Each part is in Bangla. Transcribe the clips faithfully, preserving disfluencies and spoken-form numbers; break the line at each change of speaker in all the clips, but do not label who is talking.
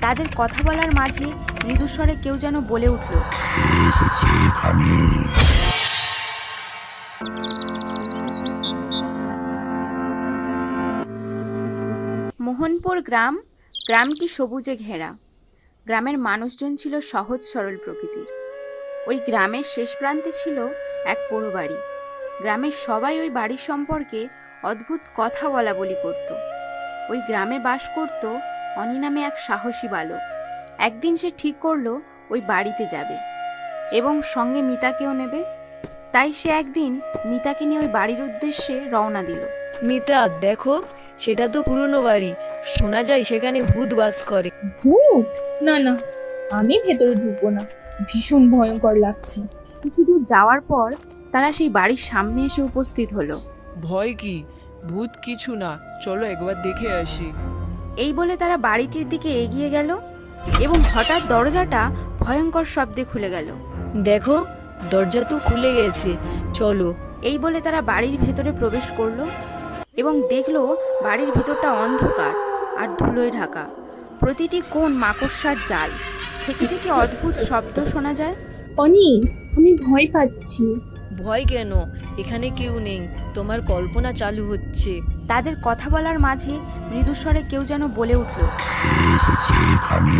তাদের কথা বলার মাঝে মৃদুস্বরে কেউ যেন বলে উঠল,
এসেছে এখানে।
মোহনপুর গ্রাম। গ্রামটি সবুজে ঘেরা। গ্রামের মানুষজন ছিল সহজ সরল প্রকৃতির। ওই গ্রামের শেষ প্রান্তে ছিল এক পোড়ো বাড়ি। গ্রামের সবাই ওই বাড়ির সম্পর্কে অদ্ভুত কথা বলা বলি করত। ওই গ্রামে বাস করত অনি নামে এক সাহসী বালক। একদিন সে ঠিক করলো ওই বাড়িতে যাবে এবং সঙ্গে মিতাকেও নেবে। তাই সে একদিন মিতাকে নিয়ে ওই বাড়ির উদ্দেশ্যে রওনা দিল।
মিতা, দেখো, সেটা তো পুরনো বাড়ি। শোনা যায় সেখানে ভূত বাস করে।
ভূত? না না, আমি ভেতরে ঢুকবো না, ভীষণ ভয়ঙ্কর লাগছে।
কিছু দূর যাওয়ার পর তারা সেই বাড়ির সামনে এসে উপস্থিত হলো।
ভয় কি? ভূত কিছু না, চলো একবার দেখে আসি।
এই বলে তারা বাড়িটির দিকে এগিয়ে গেল এবং হঠাৎ দরজাটা ভয়ঙ্কর শব্দে খুলে গেল।
দেখো, দরজা তো খুলে গেছে, চলো।
এই বলে তারা বাড়ির ভেতরে প্রবেশ করলো এবং দেখলো বাড়ির ভেতরটা অন্ধকার আর ধুলোয় ঢাকা। প্রতিটি কোণ মাকড়সার জাল। থেকে থেকে অদ্ভুত শব্দ শোনা যায়।
অনি, আমি ভয় পাচ্ছি।
ভয় কেন? এখানে কেউ নেই, তোমার কল্পনা চালু হচ্ছে।
তাদের কথা বলার মাঝে মৃদুস্বরে কেউ যেন বলে উঠল,
এসেছে এখানে।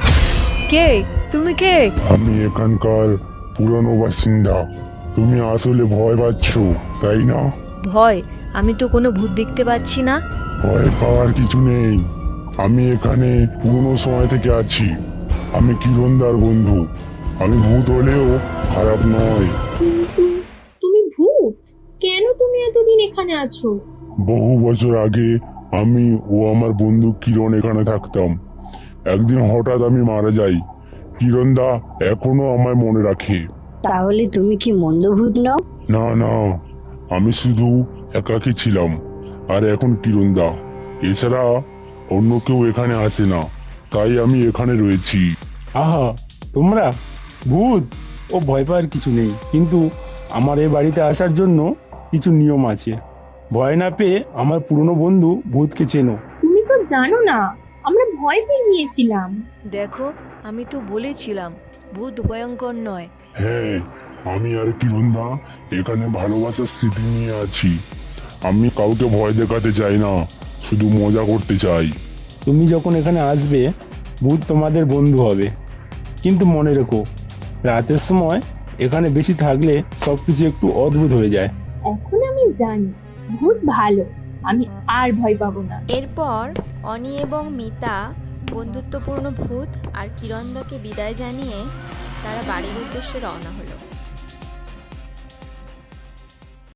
কে? তুমি কে?
আমি এখানকার পুরনো বাসিন্দা। তুমি আসলে ভয় পাচ্ছ, তাই না?
ভয়? আমি তো কোনো ভূত দেখতে পাচ্ছি না।
ভয় পাওয়ার কিছু নেই। আমি এখানে পুরনো সময় থেকে আছি। আমি কিরণদার বন্ধু। আমি ভূত হলেও খারাপ নয়।
কিন্তু তুমি ভূত? কেন তুমি এতদিন এখানে আছো?
বহু বছর আগে আমি ও আমার বন্ধু কিরণ এখানে থাকতাম। একদিন হঠাৎ আমি মারা যাই। কিরণদা এখনো আমায় মনে রাখে।
তাহলে তুমি কি মন্দভূত নও?
না না, আমি শুধু একাকী ছিলাম। আর এখন কিরণদা। এছাড়া অন্য কেউ এখানে আসে না, তাই আমি এখানে রয়েছি।
আহা, তোমরা ভূত? ও ভয় পাওয়ার কিছু নেই, কিন্তু আমার এই বাড়িতে আসার জন্য কিছু নিয়ম আছে। ভয় না পেয়ে আমার পুরনো বন্ধু ভূতকে চেনো।
তুমি তো জানো না, আমরা ভয় পেয়ে গিয়েছিলাম।
দেখো, আমি তো বলেছিলাম ভূত ভয়ঙ্কর নয়।
হ্যাঁ, আমি আর কিরণদা এখানে ভালোবাসার স্মৃতি নিয়ে আছি। আমি কাউকে ভয় দেখাতে চাই না, শুধু মজা করতে চাই।
তুমি যখন এখানে আসবে, ভূত তোমাদের বন্ধু হবে। কিন্তু মনে রেখো, রাতের সময় এখানে বেশি থাকলে সব কিছু একটু অদ্ভুত হয়ে যায়।
এখন আমি জানি ভূত ভালো, আমি আর ভয় পাবো না।
এরপর অনি এবং মিতা বন্ধুত্বপূর্ণ ভূত আর কিরণদাকে বিদায় জানিয়ে তারা বাড়ির উদ্দেশ্যে রওনা হলো।